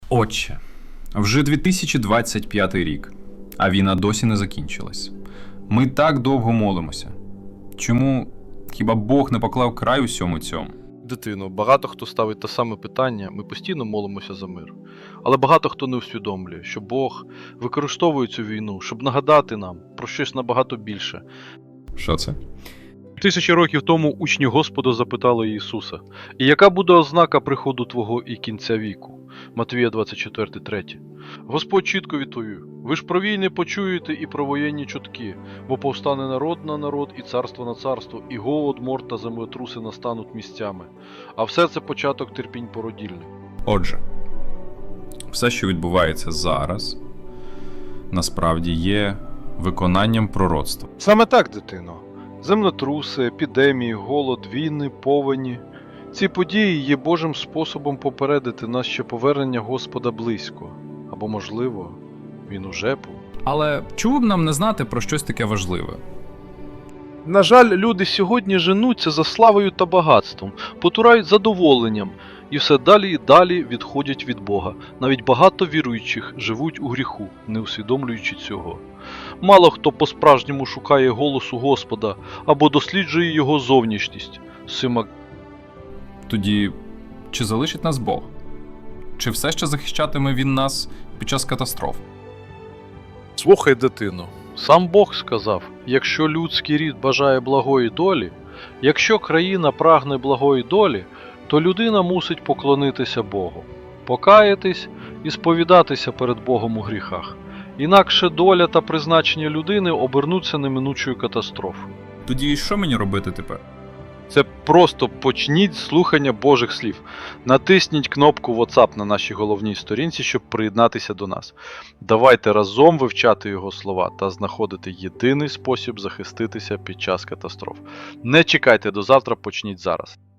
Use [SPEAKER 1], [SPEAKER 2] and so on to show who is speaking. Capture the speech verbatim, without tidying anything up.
[SPEAKER 1] Отче, вже дві тисячі двадцять п'ятий рік, а війна досі не закінчилась. Ми так довго молимося. Чому хіба Бог не поклав край усьому цьому?
[SPEAKER 2] Дитино, багато хто ставить те саме питання, ми постійно молимося за мир. Але багато хто не усвідомлює, що Бог використовує цю війну, щоб нагадати нам про щось набагато більше.
[SPEAKER 1] Що це?
[SPEAKER 2] Тисячі років тому учні Господа запитали Ісуса: «І яка буде ознака приходу Твого і кінця віку?» Матвія двадцять чотири три. Господь чітко відповів: «Ви ж про війни почуєте і про воєнні чутки, бо повстане народ на народ і царство на царство, і голод, мор та землетруси настануть місцями. А все це початок терпінь породільних».
[SPEAKER 1] Отже, все, що відбувається зараз, насправді є виконанням пророцтва.
[SPEAKER 2] Саме так, дитино. Землетруси, епідемії, голод, війни, повені. Ці події є Божим способом попередити нас, що повернення Господа близько. Або, можливо, він уже був.
[SPEAKER 1] Але чому б нам не знати про щось таке важливе?
[SPEAKER 2] На жаль, люди сьогодні женуться за славою та багатством, потурають задоволенням, і все далі і далі відходять від Бога. Навіть багато віруючих живуть у гріху, не усвідомлюючи цього. Мало хто по-справжньому шукає голосу Господа або досліджує його зовнішність. Сима...
[SPEAKER 1] Тоді, чи залишить нас Бог? Чи все ще захищатиме Він нас під час катастроф?
[SPEAKER 2] Слухай, дитино, сам Бог сказав: якщо людський рід бажає благої долі, якщо країна прагне благої долі, то людина мусить поклонитися Богу, покаятись і сповідатися перед Богом у гріхах. Інакше доля та призначення людини обернуться неминучою катастрофою.
[SPEAKER 1] Тоді що мені робити тепер?
[SPEAKER 2] Це просто почніть з слухання Божих слів. Натисніть кнопку WhatsApp на нашій головній сторінці, щоб приєднатися до нас. Давайте разом вивчати його слова та знаходити єдиний спосіб захиститися під час катастроф. Не чекайте до завтра, почніть зараз.